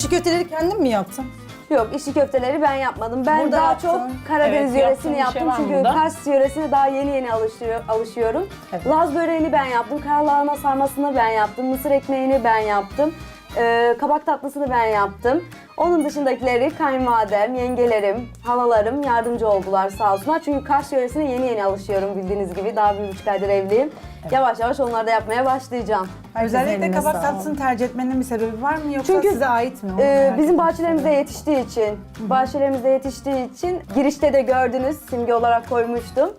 İçi köfteleri kendin mi yaptın? Yok, içli köfteleri ben yapmadım. Ben Burada daha yaptın. çok Karadeniz Evet, yöresini yaptığın bir yaptım. şey var Çünkü burada. Kars yöresine daha yeni alışıyorum. Evet. Laz böreğini ben yaptım. Karalahana sarmasını ben yaptım. Mısır ekmeğini ben yaptım. Kabak tatlısını ben yaptım. Onun dışındakileri kayınvalidem, yengelerim, halalarım yardımcı oldular sağ olsunlar. Çünkü Kars yöresine yeni alışıyorum bildiğiniz gibi. Daha 1,5 aydır evliyim. Yavaş yavaş onları da yapmaya başlayacağım. Özellikle Eline kabak sağlık. tatlısını tercih etmenin bir sebebi var mı yoksa Çünkü, size ait mi? Onu merak Bizim etmek bahçelerimizde istiyorum. yetiştiği için girişte de gördünüz, simge olarak koymuştum.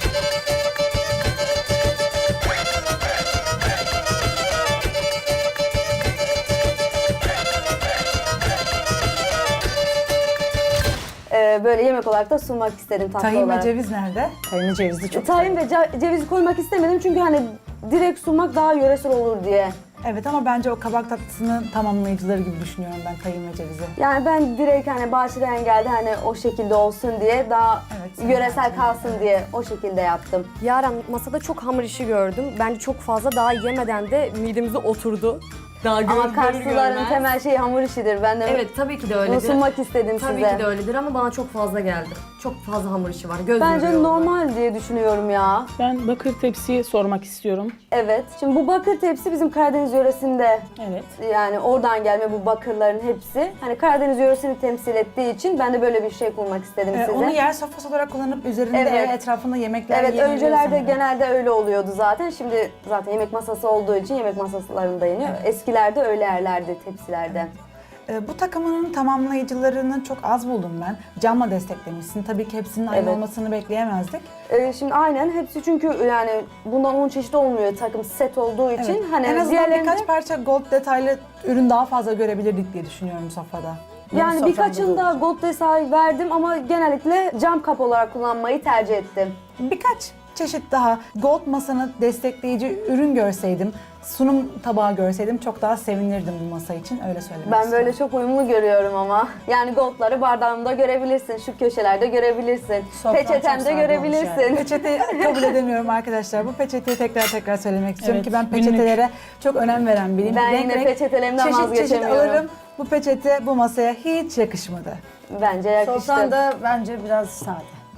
Böyle yemek olarak da sunmak istedim tatlı Tahin ve olarak. ceviz nerede? Tahinli cevizli çok Tahin ve cevizi koymak istemedim çünkü hani direkt sunmak daha yöresel olur diye. Evet ama bence o kabak tatlısının tamamlayıcıları gibi düşünüyorum ben tahin ve cevizi. Yani ben direkt hani bahçeden geldi hani o şekilde olsun diye daha Evet, yöresel kalsın diye o şekilde yaptım. Yaren masada çok hamur işi gördüm. Bence çok fazla daha yemeden de midemize oturdu. Daha Ama Karslıların temel şeyi hamur işidir. Ben de Evet tabii ki de bunu öyledir. sunmak istedim Tabii size. ki de öyledir ama bana çok fazla geldi. Çok fazla hamur işi var. Göz Bence yoruyor. normal diye düşünüyorum ya. Ben bakır tepsiyi sormak istiyorum. Evet. Şimdi bu bakır tepsi bizim Karadeniz yöresinde Evet. yani oradan gelme bu bakırların hepsi. Hani Karadeniz yöresini temsil ettiği için ben de böyle bir şey kurmak istedim size. Onu yer sofrası olarak kullanıp üzerinde Evet. ve etrafında yemekler Evet, yeniliyor öncelerde sanırım. genelde öyle oluyordu zaten. Şimdi zaten yemek masası olduğu için yemek masalarında yeniyor. Eskilerde öyle yerlerdi, tepsilerde. Bu takımının tamamlayıcılarını çok az buldum ben. Camla desteklemişsin. Tabii ki hepsinin aynı Evet. olmasını bekleyemezdik. Şimdi aynen hepsi çünkü yani bundan 10 çeşit olmuyor takım set olduğu için. Evet. Hani En azından diğerlerinde birkaç parça gold detaylı ürün daha fazla görebilirdik diye düşünüyorum sofrada. yani soframda birkaçında olacak. gold detay verdim ama genellikle cam kap olarak kullanmayı tercih ettim. Birkaç çeşit daha gold masanı destekleyici ürün görseydim, sunum tabağı görseydim çok daha sevinirdim bu masa için. Öyle söylemek Ben böyle istiyorum. çok uyumlu görüyorum ama. Yani goldları bardağımda görebilirsin, şu köşelerde görebilirsin, Sofran çok peçetemde sade görebilirsin. olmuş Peçete kabul edemiyorum arkadaşlar. Bu peçeteyi tekrar söylemek istiyorum Evet, ki ben günlük. peçetelere çok önem veren biriyim. Ben Renk yine renk, peçetelerimden çeşit çeşit vazgeçemiyorum. alırım. Bu peçete bu masaya hiç yakışmadı. Bence yakıştı. Sofran da bence biraz sade.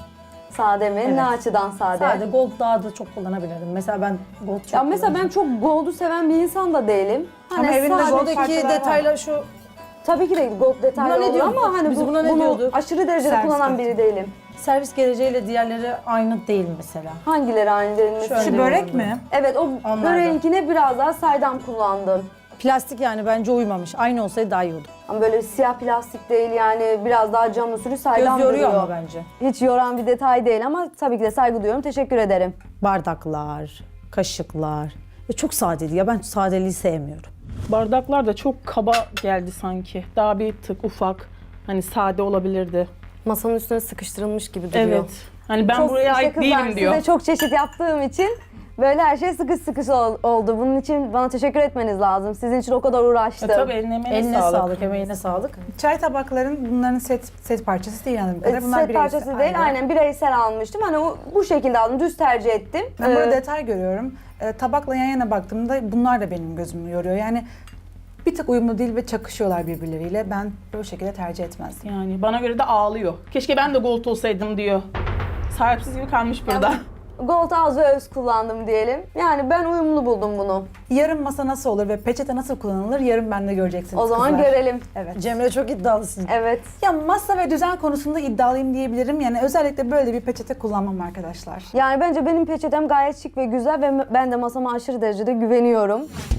Sade mi? Ne Evet. açıdan sade? Sade gold daha da çok kullanabilirdim. Mesela ben gold çok Ya mesela ben kullanıyorum. çok gold'u seven bir insan da değilim. Hani Ama evinde sade- gold Buradaki parçalar var. detaylar şu Tabii ki de gold detaylı Buna ne olur diyorduk? ama hani Biz buna ne bunu diyorduk? aşırı derecede Servis kullanan köfte. biri değilim. servis geleceğiyle diğerleri aynı değil mesela. Hangileri aynı denilmesi? Şöyle Şu börek mi? Evet, o Onlardan. böreğinkine biraz daha saydam kullandım. Plastik yani bence uymamış. Aynı olsaydı daha iyi oldu. Ama böyle siyah plastik değil yani biraz daha cam usulü saydam Göz yoruyor duruyor. ama bence. Hiç yoran bir detay değil ama tabii ki de saygı duyuyorum. Teşekkür ederim. Bardaklar, kaşıklar. Çok sadeydi ya, ben sadeliği sevmiyorum. Bardaklar da çok kaba geldi sanki. Daha bir tık ufak. Hani sade olabilirdi. Masanın üstüne sıkıştırılmış gibi duruyor. Evet. Hani ben Çok buraya işte ait kızlar, değilim diyor. Size çok çeşit yaptığım için böyle her şey sıkış oldu. Bunun için bana teşekkür etmeniz lazım. Sizin için o kadar uğraştım. Tabii eline Eline sağlık. sağlık, emeğine sağlık. Çay tabakların bunların set parçası değil anladığım kadarıyla. Bunlar Set bireysel. parçası değil, aynen bireysel almıştım. Hani bu şekilde aldım, düz tercih ettim. Ben burada Ee, detay görüyorum. Tabakla yan yana baktığımda bunlar da benim gözümü yoruyor. Yani bir tık uyumlu değil ve çakışıyorlar birbirleriyle. Ben böyle şekilde tercih etmezdim. Yani bana göre de ağlıyor. Keşke ben de gold olsaydım diyor. Sahipsiz gibi kalmış burada. Gold az ve öz kullandım diyelim. Yani ben uyumlu buldum bunu. Yarın masa nasıl olur ve peçete nasıl kullanılır yarın bende göreceksiniz O zaman kızlar. görelim. Evet. Cemre çok iddialısın. Evet. Ya masa ve düzen konusunda iddialıyım diyebilirim. Yani özellikle böyle bir peçete kullanmam arkadaşlar. Yani bence benim peçetem gayet şık ve güzel ve ben de masama aşırı derecede güveniyorum.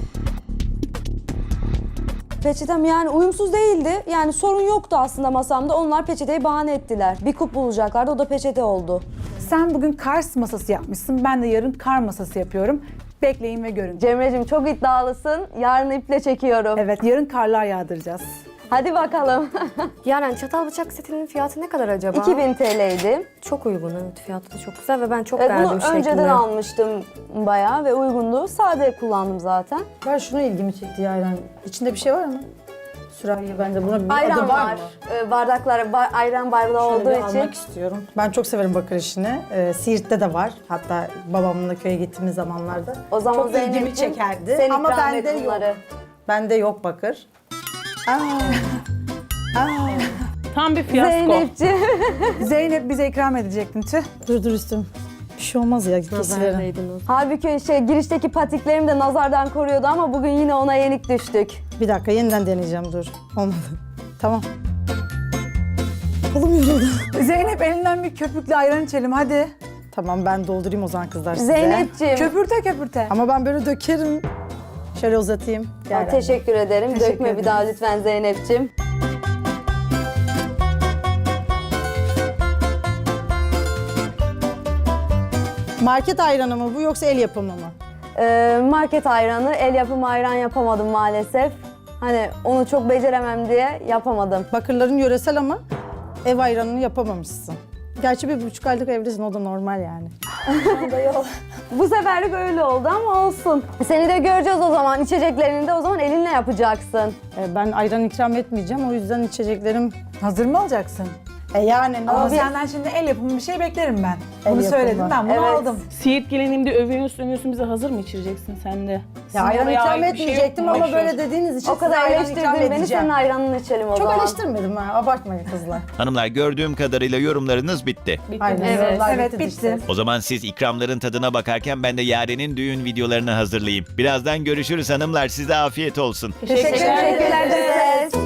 Peçetem yani uyumsuz değildi. Yani sorun yoktu aslında masamda. Onlar peçeteyi bahane ettiler. Bir kup bulacaklardı, o da peçete oldu. Sen bugün Kars masası yapmışsın. Ben de yarın kar masası yapıyorum. Bekleyin ve görün. Cemre'cim çok iddialısın. Yarın iple çekiyorum. Evet, yarın karlar yağdıracağız. Hadi bakalım. Yaren çatal bıçak setinin fiyatı ne kadar acaba? 2000 TL'ydi. Çok uygun, evet, fiyatı da çok güzel ve ben çok Evet, beğendim bunu şeklini. önceden almıştım bayağı ve uygundu. Sade kullandım zaten. Ben şunu ilgimi çekti Yaren. İçinde bir şey var mı? Sürahi bende buna bir adı Ayran var var. mı? Bardakları ayran bardağı Şöyle bir olduğu için. almak istiyorum. Ben çok severim bakır işini. Siirt'te de var. Hatta babamla köye gittiğimiz zamanlarda. O zaman çok ilgimi Zeynep'ciğim, çekerdi. sen Ama ikram et bende yok. bunları. Bende yok bakır. Tam bir fiyasko. Zeynepciğim. Zeynep bize ikram edecektin tüh. Dur üstüm. Bir şey olmaz ya kesilerim. Nazardaydınız. Halbuki girişteki patiklerim de nazardan koruyordu ama bugün yine ona yenik düştük. Bir dakika yeniden deneyeceğim dur. Olmadı. Tamam. Kolum yoruldu. Zeynep elinden bir köpüklü ayran içelim hadi. Tamam ben doldurayım o zaman kızlar size. Zeynepciğim. Köpürte köpürte. Ama ben böyle dökerim. Şöyle uzatayım. Gel Teşekkür ederim. Teşekkür Dökme bir ederiz. daha lütfen Zeynepciğim. Market ayranı mı bu yoksa el yapımı mı? Market ayranı, el yapımı ayran yapamadım maalesef. Hani onu çok beceremem diye yapamadım. Bakırların yöresel ama ev ayranını yapamamışsın. Gerçi 1,5 aylık evlisin, o da normal yani. Bu seferlik öyle oldu ama olsun. Seni de göreceğiz o zaman. İçeceklerini de o zaman elinle yapacaksın. Ben ayran ikram etmeyeceğim, o yüzden içeceklerim... Hazır mı alacaksın? Yani ne Ama olacak? senden şimdi el yapımı bir şey beklerim ben. El Bunu yapımı. söyledim ben bunu Evet. aldım. Siirt gelinimde övünüyorsun bize hazır mı içireceksin sen de? Ya ayran oraya ikram ait bir şey yok etmeyecektim mu? ama Boş böyle ver. dediğiniz için O kadar size ayran ikram eleştirdin beni, edeceğim. senin ayranını içelim o Çok zaman. eleştirmedim ha, abartmayın kızlar. Hanımlar gördüğüm kadarıyla yorumlarınız bitti. Bitti. Aynen. Evet. yorumlar Evet, bitti bitti. işte. O zaman siz ikramların tadına bakarken ben de Yaren'in düğün videolarını hazırlayayım. Birazdan görüşürüz hanımlar. Size afiyet olsun. Teşekkürler. Teşekkürler.